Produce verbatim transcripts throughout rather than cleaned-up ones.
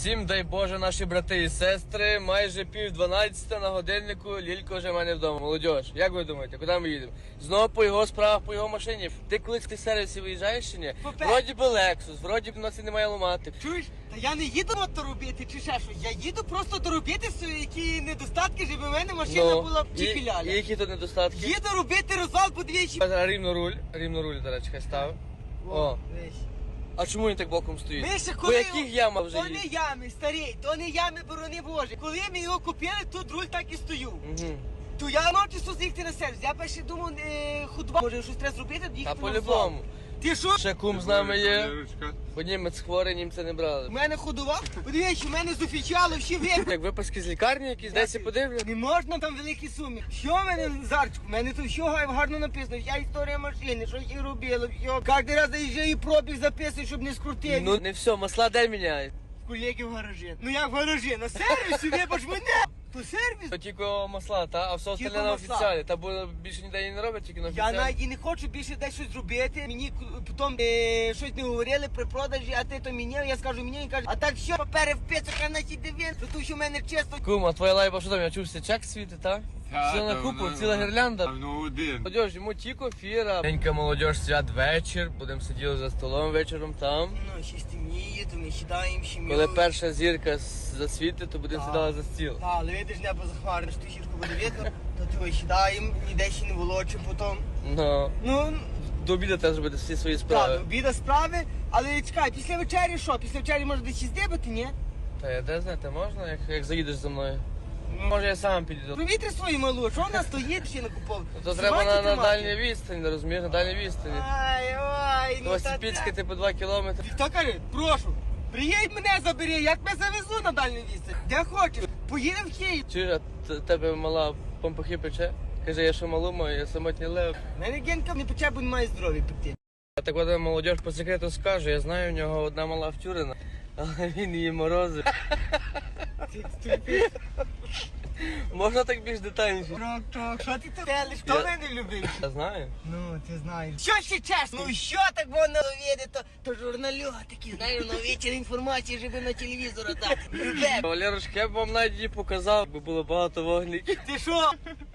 Всім дай Боже, наші брати і сестри, майже пів дванадцята на годиннику, Лілько вже в мене вдома. Молодіж, як ви думаєте, куди ми їдемо? Знову по його справах, по його машині. Ти колись в сервісі виїжджаєш чи ні? Попе- Вроді би Lexus, вроді б нас і немає ламати. Чуєш? Та я не їду мото робити чи ще щось. Я їду просто доробити свої які недостатки, щоб у мене машина була в і, чіпіляля. і які тут недостатки? Їду робити розвал подвічі. А Рівно руль, рівно руль, до речі, хай став. О, а чому він так боком стоїть? Вище, По коли яких ямах вже То не їздить? ями, старий, то не ями, борони Боже. Коли ми його купили, тут руль так і стою. Угу. То я ночі з'їхати на сервіс. Я перше думав, е, худба. Може щось треба зробити, Та їхати на по-любому. розвал. Ти що? Ще кум з нами є, бо німець хворий, німця не брали. У мене ходова? Подивіться, у мене з офіціалу всі випадки. Як виписки з лікарні якісь, десь і подивлю. Не можна там великі суми. Що в мене, Зарчику? У мене тут все гарно написано. Вся історія машини, що її робили, все. Кожен раз заїжджає і пробіг записує, щоб не скрутити. Ну не все, масла де міняють. Колеги в гаражі. Ну як в гаражі? На сервісі, вибач мене. То сервіс. То тільки масла, та? А все Тільки остальне на масла. офіціалі. Та бо більше ніде її не роблять, тільки на Я офіціалі. навіть і не хочу більше десь щось зробити. Мені к- потім е, щось не говорили при продажі, а ти то міняв. Я скажу мені, він каже, а так що, папери в пицях, а на ті дивін, то що в мене чесно. Кум, а твоя лайба що там? Я чувся, чек світить, та? Все на купу, ціла гірлянда. Ну один. Молодіж, йому тільки фіра. Денька молодіж, свят вечір. Будемо сиділи за столом вечором там. Ну, ще стемніє, то ми сідаємо, сім'ю. Коли перша зірка с- засвітить, то будемо Так. сідали за стіл. Так, але видиш, небо захмарне, що зірку буде видно, то ти сідаємо, ніде ще не волочимо потім. Ну, Ну, до обіду теж зробити всі свої так, справи. обіда справи, але чекай, після вечері що? Після вечері може десь здибати, ні? Та я де знати, можна, як, як заїдеш за мною? Може я сам підійду. Провітри свою малу, що вона стоїть ще не купов? Ну, то треба на, на дальній відстані, не розумієш, на дальній відстані. Ай, ой, ну Ось та Піцька, це- типу, два кілометри. Хто каже, прошу, приїдь мене забери, я тебе завезу на дальню відстань. Де хочеш, поїдемо в Київ. Чуєш, а т- тебе мала помпахи пече? Каже, я що малу маю, я самотній лев. У мене Генка не пече, бо не має здоров'я пекти. А так от молодіж по секрету скаже, я знаю, у нього одна мала втюрена, але він її морозив. Можна так більш детальніше? Трок-трок, що ти тут телиш? Хто Я- мене любив? Я знаю. Ну, ти знаєш. Що ще чесно? Ну що так воно видно, то, то журналюга такі, знаєш, на вечір інформації, щоб на телевізор дати. Любе. Валерушка, я б вам навіть її показав, бо було багато вогників. Ти що?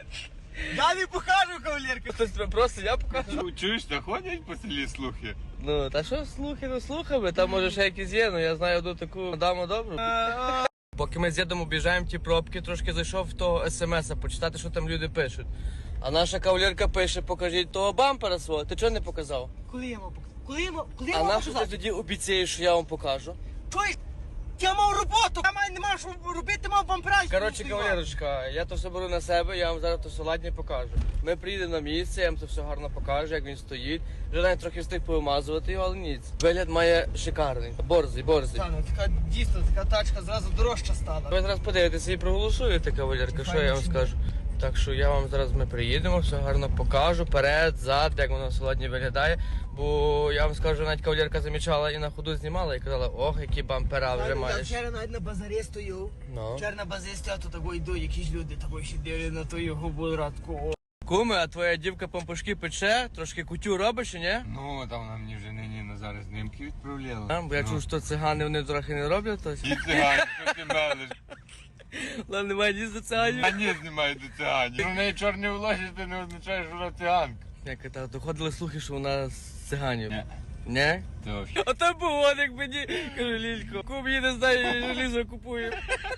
Я не покажу, кавалерка. Хтось тебе просто я покажу. Ну, чуєш, та ходять по селі слухи? Ну, та що слухи, ну слухами, там може ще якісь є, ну я знаю одну таку даму добру. Поки ми з дідом об'їжджаємо ті пробки, трошки зайшов в того смс-а, почитати, що там люди пишуть. А наша кавалерка пише, покажіть того бампера свого, ти чого не показав? Коли я мав показати? Коли я мав, коли я А мав на що ти показати? тоді обіцяєш, що я вам покажу? Чуєш? Я мав роботу, я маю, не мав що робити, мав бампера. Коротше, кавалерочка, я то все беру на себе, я вам зараз то все ладні покажу. Ми приїдемо на місце, я вам це все гарно покажу, як він стоїть. Вже навіть трохи встиг повимазувати його, але ніц. Вигляд має шикарний. Борзий, борзий. Та, ну, така дійсно, така тачка зразу дорожча стала. Ви зараз подивитеся і проголосуєте, кавалерка, що я вам скажу. Так що я вам зараз ми приїдемо, все гарно покажу, перед, зад, як воно сьогодні виглядає. Бо я вам скажу, навіть кавалерка замічала і на ходу знімала і казала, ох, які бампера вже Я маєш. вчора навіть на базарі стою. Ну. Вчора на базарі стою, то тако йду, якісь люди тако ще дивлять на ту його буратку. Куми, а твоя дівка помпушки пече, трошки кутю робиш, чи ні? Ну, там вона мені вже нині на зараз знімки відправляла. А, бо я Ну. чув, що цигани вони трохи не роблять, то І цигані, що ти мелиш? але немає ні за циганів. А ні, знімають до циганів. У неї чорні волосся, це не означає, що вона циганка. Як та доходили слухи, що вона з циганів. Ні. Ні? То А то був он, як мені, кажу, Лілько, кум її не знає, желізо купує.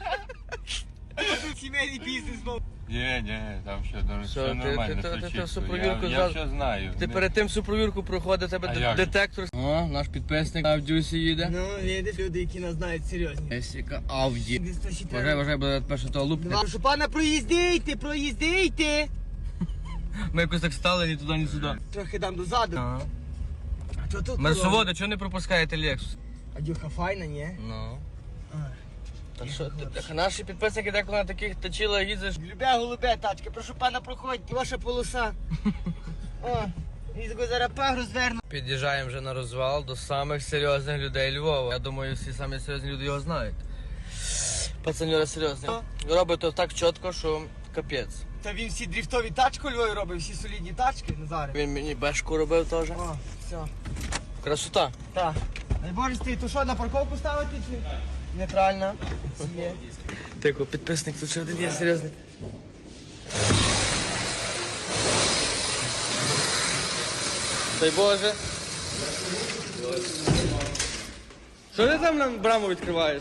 Тут сімейний бізнес мав. Ні, ні, там все, все, Що, ти- нормально, ти- все ти- ти чисто. всю провірку я, я зразу- все знаю. Ти Не- перед тим всю провірку проходить, тебе А д- як же? детектор. О, наш підписник Авдюсі їде. Ну, видиш, люди, які нас знають серйозні. Есіка Авді. Десь то ще Вважай, треба. вважай, буде перше того лупне. Прошу пана, проїздійте, проїздійте. Ми якось так стали ні туди, ні сюди. Трохи дам дозаду. Ага. А що тут? Мерсоводи, чого не пропускаєте Лексус? А дюха файна, ні? Ну. А. Та що, ти- так наші підписники деколи на таких точила їздиш. Любе голубе тачки, прошу пана, проходьте, ваша полоса. О, і таку зараз пагру зверну. Під'їжджаємо вже на розвал до самих серйозних людей Львова. Я думаю, всі самі серйозні люди його знають. Пацаньора серйозний. Робить то так чітко, що капець. Та він всі дріфтові тачки у Львові робив, всі солідні тачки, Назаре. Він мені бешку робив теж. О, все. Красота. Так. Дай Боже, ти то що, на парковку ставити чи? нейтральна. Є. Тихо, підписник, тут ще один є серйозний. Дай Боже. Що ти там нам браму відкриваєш?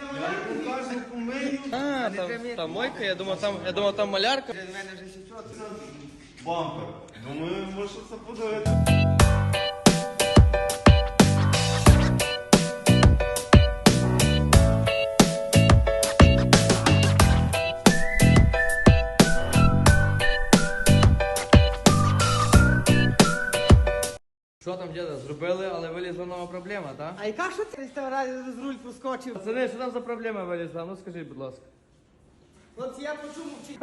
А, там, там мойка, я думав там, я думав там малярка. Бампер. Думаю, може це подивити. Що там, діда, зробили, але вилізла нова проблема, так? А яка що це з разі з руль проскочив? Пацани, що там за проблема вилізла? Ну скажіть, будь ласка. От я почув мовчить.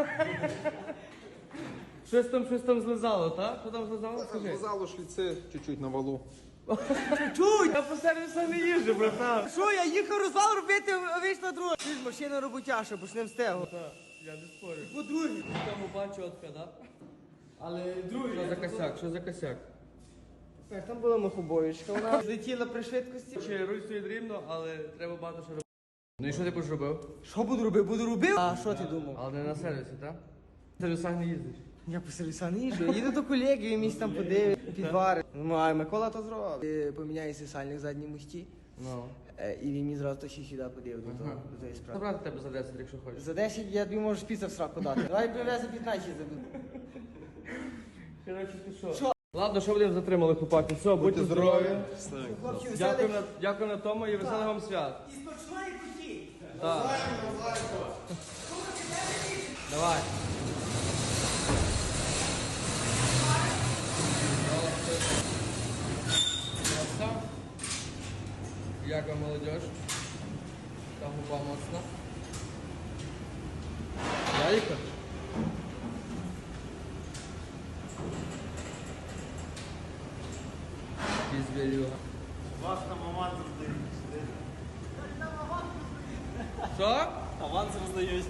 Щось там, щось там злизало, так? Що там злизало? Скажи. Зало шліци чуть-чуть на валу. Чуй! Я по сервісу не їжджу, братан. Що, я їхав розвал робити, а вийшла друга. Ти ж машина роботяша, бо ж не встигла. Я не спорю. По-друге. Там упа чітка, так? Але другий. Що за косяк? Що за косяк? Так, там була махобоєчка, вона злетіла при швидкості. Ще руль стоїть рівно, але треба багато що робити. Ну і що ти будеш робив? Що буду робити? Буду робив? А що ти думав? Але не на сервісі, так? В сервісах не їздиш. Я по сервісах не їжджу. Їду до колеги, він місць там подивить, підварить. Ну, а Микола то зробив. Е, Поміняє сальник в задній мості. Ну. Е, І він мені зразу то ще сюди подив до того, до тої справи. Забрати тебе за десять, якщо хочеш. За десять я тобі можу піца в сраку дати. Давай привези п'ятнадцять забуду. Коротше, ти що? Що? Ладно, що будемо затримали, хлопаки. Все, будьте здорові. Хлопці, Дякую веселих. на, дякую на тому і веселих вам свят. І смачної куті. Так. Давай. Красава. Як вам, молодежь? Та губа моцна. Яйка? Звірюга. Вас там аванс роздають. Що? Аванс роздають.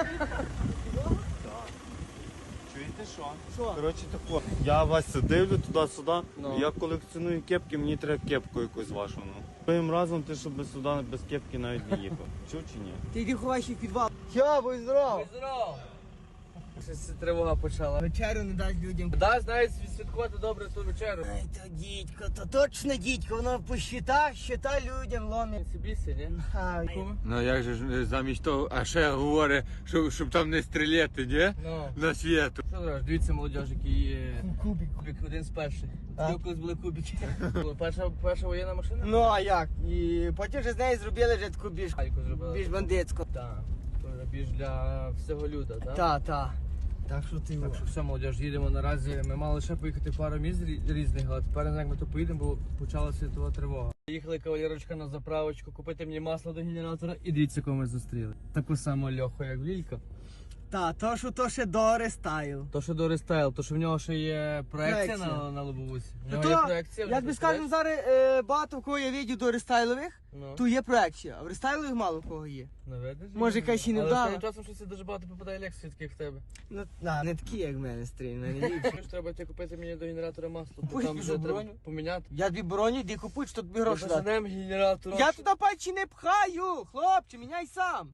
Чуєте що? Що? Коротше тако. Я вас дивлю туди-сюди. Ну. Я колекціоную кепки, мені треба кепку якусь вашу. Ну. Своїм разом ти щоб сюди без кепки навіть не їхав. Чув чи ні? Ти йди ховайся в підвал. Йо, будь здоров. Здорово! Щось тривога почала. Вечерю не дасть людям. Да, знаєш, відсвяткувати добре ту вечеру. Ай, то дідько, то точно дідько, воно по щитах, щита людям ломить. Сибісі, ні? А, Ну як же ж замість того, а ще говорить, щоб, щоб там не стріляти, ні? Ну. На світу. Що зробиш? Дивіться, молодіж, який є Кубик. кубик, один з перших. А? Тоді колись були кубики. Була Перша, перша воєнна машина? Ну а як? І потім вже з неї зробили вже таку більш, Гальку зробили. більш бандитську. Так. Більш для всього люда, так? Та, та. Так що ти Так що все, молодіж, їдемо наразі. Ми мали ще поїхати пару місць рі- різних, але тепер не знаю, як ми то поїдемо, бо почала світова тривога. Їхали кавалерочка на заправочку, купити мені масло до генератора і дивіться, кого ми зустріли. Таку саму льоху, як в Лілька. Та, то що то ще до рестайл. То, що до рестайл, то що в нього ще є проекція, Проекція. на, на лобовусі. В То, нього є то, проекція. як би скажемо, зараз е, багато в кого я видів до рестайлових, Ну. то є проекція, а в рестайлових мало в кого є. Ну, видиш? Може, якась і не Але вдала. останнім часом щось дуже багато попадає лекцій, таких в тебе. Ну, на, не такі, як в мене стрій, в мене ліпші. Що ж треба йти купити мені до генератора масло, бо Купуй, там вже біжу, треба броню. поміняти. Я тобі броню, йди купуй, що тобі гроші дати. Посадимо генератор. Я туди пальці не пхаю, хлопче, міняй сам.